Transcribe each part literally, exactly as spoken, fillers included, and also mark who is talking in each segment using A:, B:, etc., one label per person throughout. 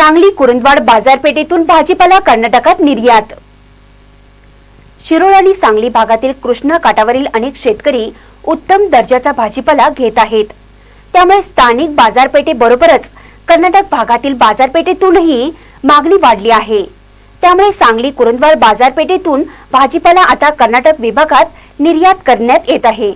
A: सांगली कुरुंदवाड बाजारपेठेतून भाजीपाला कर्नाटकात निर्यात। शिरोळ आणि सांगली भागातील कृष्णा काठावरील अनेक शेतकरी उत्तम दर्जाचा भाजीपाला घेत आहेत। त्यामुळे स्थानिक बाजारपेठेबरोबरच कर्नाटक भागातील बाजारपेठेतूनही मागणी वाढली आहे। त्यामुळे सांगली कुरुंदवाड बाजारपेठेतून भाजीपाला आता कर्नाटक विभागात निर्यात करण्यात येत आहे।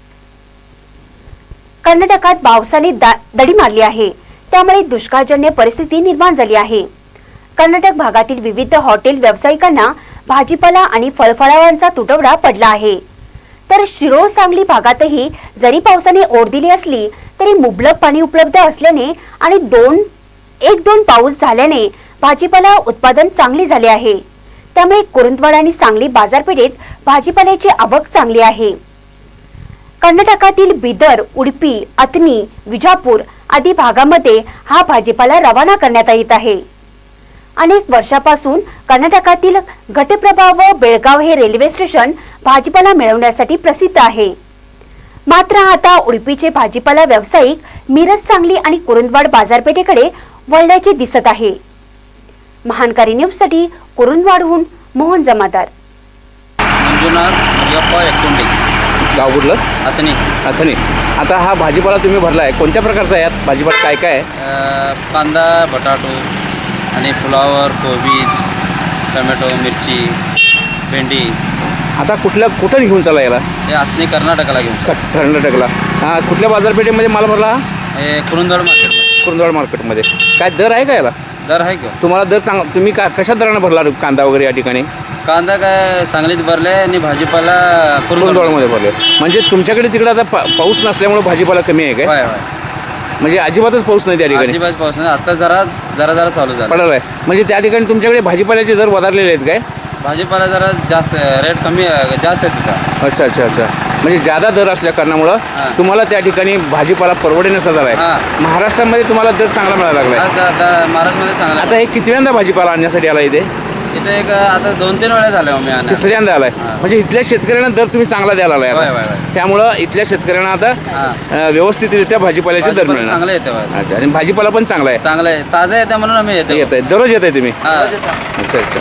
A: कर्नाटकात पावसाने दडी मारली आहे, त्यामुळे दुष्काळजन्य परिस्थिती निर्माण झाली आहे। कर्नाटक भागातील विविध हॉटेल व्यावसायिकांना भाजीपाला आणि फळफळांचा तुटवडा पडला आहे। तर शिरोळ सांगली भागातही जरी पावसाने ओढ दिली असली तरी मुबलक पाणी उपलब्ध असल्याने आणि दोन एक दोन पाऊस झाल्याने भाजीपाला उत्पादन चांगले झाले आहे। त्यामुळे कुरुंदवाड आणि सांगली बाजारपेठेत भाजीपाल्याची आवक चांगली आहे। कर्नाटकातील बिदर, उडुपी, अथनी, विजापूर आदी भागामध्ये हा भाजीपाला रवाना करण्यात येत आहे। अनेक वर्षापासून कर्नाटकातील घटप्रभा व बेळगाव हे रेल्वे स्टेशन भाजीपाला मिळवण्यासाठी प्रसिद्ध आहे। मात्र आता उडुपीचे भाजीपाला व्यावसायिक मिरज, सांगली आणि कुरुंदवाड बाजारपेठेकडे वळल्याचे दिसत आहे। महानकारी न्यूज साठी कुरुंदवाडहून मोहन जमादार।
B: गाव कुठलं?
C: अथनी
B: अथनी। आता हा भाजीपाला तुम्ही भरला आहे, कोणत्या प्रकारचा आहे? यात भाजीपाला काय काय आहे?
C: कांदा, बटाटो आणि फ्लावर, कोबीज, टोमॅटो, मिरची, भेंडी।
B: आता कुठल्या कुठं घेऊन चालला याला?
C: हे अथनी कर्नाटकाला घेऊन
B: क- कर्नाटकला। हा, कुठल्या बाजारपेठेमध्ये माल भरला हा?
C: हे कुरुंदवाड मार्केटमध्ये
B: कुरुंदवाड मार्केटमध्ये। काय दर आहे का याला?
C: दर आहे का?
B: तुम्हाला दर सांग, तुम्ही का कशा दराने भरला कांदा वगैरे या ठिकाणी?
C: कांदा काय सांगलीत भरले आणि भाजीपाला
B: कुरुंदवाडमध्ये भरले। म्हणजे तुमच्याकडे तिकडे आता पा पाऊस नसल्यामुळे भाजीपाला कमी आहे काय?
C: होय होय,
B: म्हणजे अजिबातच पाऊस नाही त्या ठिकाणी?
C: अजिबात पाऊस नाही, आता जरा जरा जरा चालू झाला
B: पडला आहे। म्हणजे त्या ठिकाणी तुमच्याकडे भाजीपाल्याचे दर वधारलेले आहेत काय?
C: भाजीपाला जरा जास्त रेट कमी जास्त आहे तिथं।
B: अच्छा अच्छा अच्छा। म्हणजे जादा दर असल्या कारणामुळं
C: हां.
B: तुम्हाला त्या ठिकाणी भाजीपाला परवडण्याचा झाला आहे।
C: हां.
B: महाराष्ट्रामध्ये तुम्हाला दर चांगला मिळायला लागला आहे।
C: आता आता महाराष्ट्रामध्ये चांगला
B: आता हे कितव्यांदा भाजीपाला आणण्यासाठी आला इथे?
C: इथे एक आता दोन तीन वेळा झाले मी आणा
B: तिसऱ्यांदा आलाय।
C: हां.
B: म्हणजे इथल्या शेतकऱ्यांना दर तुम्ही चांगला द्यायला आलाय
C: होय,
B: आता।
C: होय, होय.
B: त्यामुळं इथल्या शेतकऱ्यांना आता
C: हां.
B: अं, व्यवस्थितरित्या भाजीपाल्याचे दर
C: भाजीपाला
B: मिळणार।
C: चांगलं येते होय.
B: अच्छा, आणि भाजीपाला पण चांगला आहे?
C: चांगलं आहे, ताजं येते म्हणून आम्ही येतो।
B: येत आहे, दररोज येत आहे तुम्ही?
C: हां.
B: अच्छा अच्छा।